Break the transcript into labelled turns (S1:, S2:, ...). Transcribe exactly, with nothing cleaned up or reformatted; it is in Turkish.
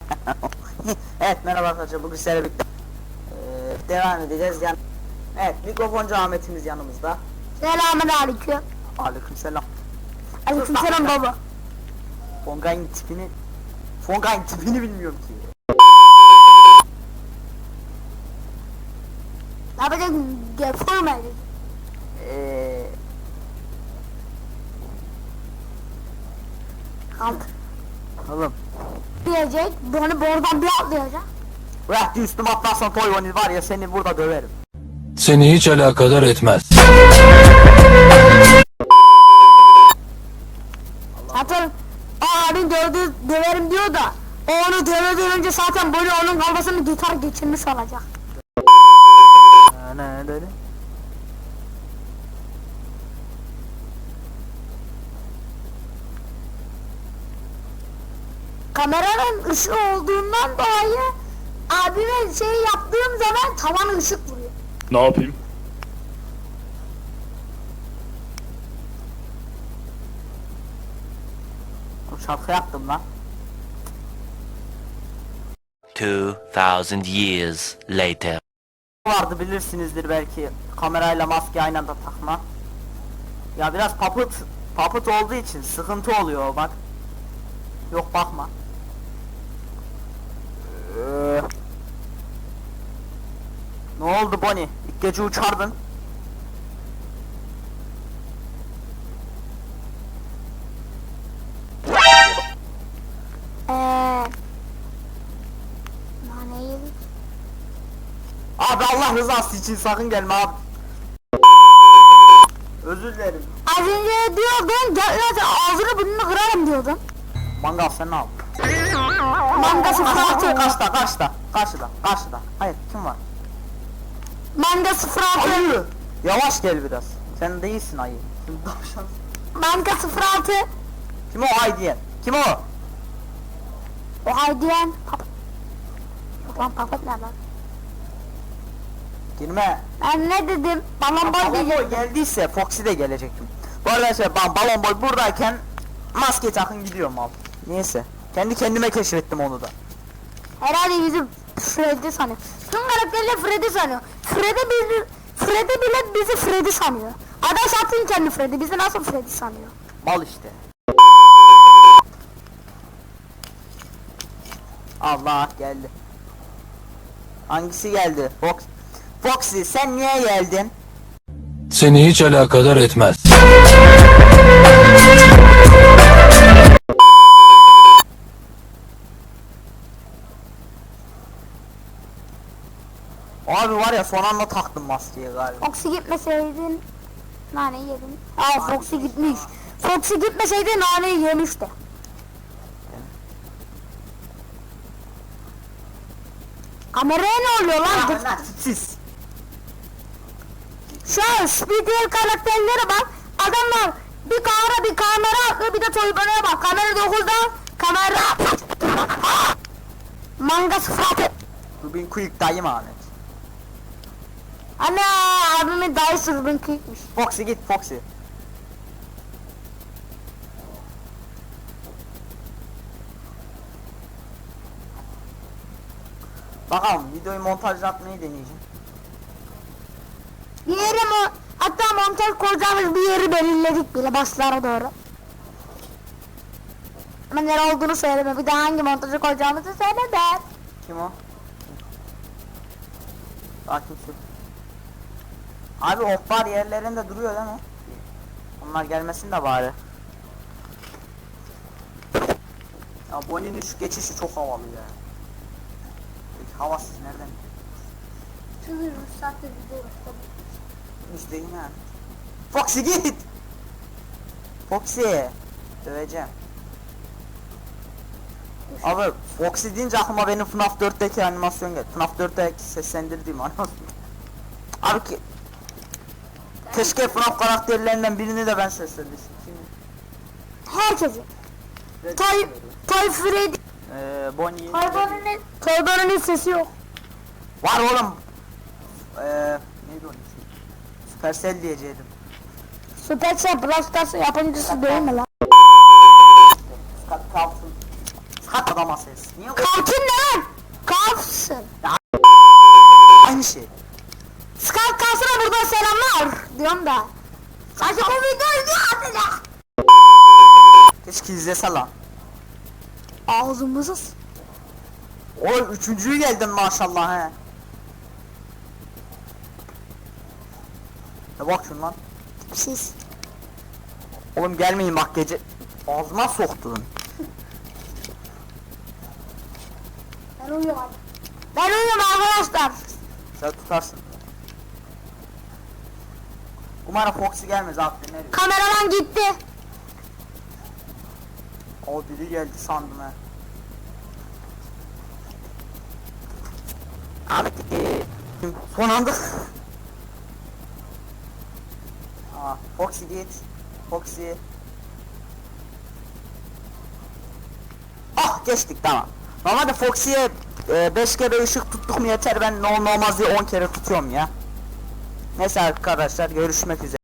S1: Evet, merhaba arkadaşlar, bugün sizlerle birlikte ee, devam edeceğiz. Yani, evet, mikrofoncu Ahmet'imiz yanımızda.
S2: Selamünaleyküm.
S1: Aleykümselam.
S2: Aleykümselam baba.
S1: Fongay'ın tipini Fongay'ın tipini bilmiyorum ki.
S2: Ne yapacaksın? Gel forma edin.
S1: Eee
S2: Kalk.
S1: Oğlum,
S2: Diyecek. Bunu buradan bir atlayacak.
S1: bırak üstüme atlarsan toy var ya, seni burada döverim.
S3: Seni hiç alakadar etmez.
S2: Zaten abin dövdü, döverim diyor da o onu dövmeden önce zaten böyle onun kafasını gitar geçirmiş olacak.
S1: Ne ne dedi?
S2: Kameranın ışığı olduğundan dolayı abime şey yaptığım zaman tavan ışık vuruyor.
S3: Ne yapayım?
S1: O şarkı yaptım lan.
S4: Two thousand years later.
S1: Vardı, bilirsinizdir belki, kamerayla maske aynı anda takma. Ya biraz papıt papıt olduğu için sıkıntı oluyor bak. Yok, bakma. Ee, ne oldu Bonnie? İlk gece uçardın.
S2: Eee Nane yedik.
S1: Abi Allah rızası için sakın gelme abi. Özür dilerim.
S2: Az önce diyordun gel lan ağzını burnunu kırarım diyordun.
S1: Mangal sen ne al?
S2: Manga sıfır
S1: Karşıda,
S2: altı.
S1: karşıda, karşıda, karşıda, karşıda. Hayır, kim var?
S2: Manga sıfır altı.
S1: Ayı. Yavaş gel biraz. Sen değilsin ayı. Şimdi tavşan.
S2: Manga sıfır altı.
S1: Kim o ay diyen? Kim o?
S2: O haydiyen. Pap. Yok lan papat ne lan?
S1: Girme.
S2: Ben ne dedim? Balon boy
S1: Balon boy
S2: diyecektim.
S1: geldiyse Foxy de gelecektim. Bu arada şey, ben balon boy buradayken maske takın gidiyorum abi. Neyse. Kendi kendime keşfettim onu da.
S2: Herhalde bizi Freddy sanıyor. Tüm karakterler Freddy sanıyor. Freddy bizi, Freddy bile bizi Freddy sanıyor. Adam zaten kendi Freddy. Bizi nasıl Freddy sanıyor?
S1: Mal işte. Allah geldi. Hangisi geldi? Fox. Foxy sen niye geldin?
S3: Seni hiç alakadar etmez.
S1: Abi var ya, son anda taktım maskeyi galiba.
S2: Foxy gitmeseydin nane yedin. Aa Foxy gitmiş. Foxy gitmeseydi naneyi yemişti. Kameraya ne oluyor lan?
S1: Ya lan tipsiz.
S2: Şu an Speedwell karakterlere bak. Adamlar bir kamera bir kamera atıyor, bir de toybanaya bak. Kamera dokuzda kamera manga sıfatı.
S1: Rubin Quick dayım Ahmet.
S2: Ana abimin dayısı Ruben Quick'miş.
S1: Foxy git Foxy. Bakalım, videoyu montajlatmayı deneyeceğim.
S2: Bir yere mi? Hatta montaj koyacağımız bir yeri belirledik bile başlara doğru. Ama nere olduğunu söyleme. Bir de hangi montajı koyacağımızı söyle de.
S1: Kim o? Sakin şu. Abi oklar yerlerinde duruyor değil mi? Onlar gelmesin de bari. Ya Bonnie'nin şu geçişi çok havalı ya. Peki havasız nereden?
S2: Şunu ruhsatla gidiyoruz.
S1: İşte yine. Foxy git! Foxy! Döveceğim. Abi Foxy deyince aklıma benim F NAF dörtteki animasyon geldi. F NAF dörtteki seslendirdiğim animasyon. Abi ki keşke F NAF karakterlerinden birini de ben seslendirsem.
S2: Herkesi. Toy, Toy Freddy.
S1: Eee Bonnie.
S2: Toybanın Toybanın sesi yok.
S1: Var oğlum. Eee neydi onun ismi? Supercell diyecektim.
S2: Supercell Brawl Stars yapımcısı değil mi lan?
S1: Skat kalsın. Kalk adama ses. Niye o-
S2: Kalkın ne lan? Kalksın.
S1: Aynı şey.
S2: Skype kalsına buradan selamlar diyorum da. Sadece bu videoyu izliyor atacak.
S1: Keşke izlese lan.
S2: Ağzımızı s-
S1: Oy üçüncüyü geldin maşallah he. Ne bak şundan.
S2: siz.
S1: Oğlum gelmeyin bak gece. Ağzıma soktun.
S2: Ben uyuyorum abi. Ben uyuyorum arkadaşlar.
S1: Sen tutarsın. Umarım Foxy gelmez abi. Ne diyor?
S2: Kameraman gitti.
S1: O biri geldi sandım he. Abi gitti. Son anda. Aa, Foxy git. Foxy. Ah geçtik tamam. Normalde Foxy'ye beş kere ışık tuttuk mu yeter, ben ne olmaz diye on kere tutuyorum ya. Neyse arkadaşlar görüşmek üzere.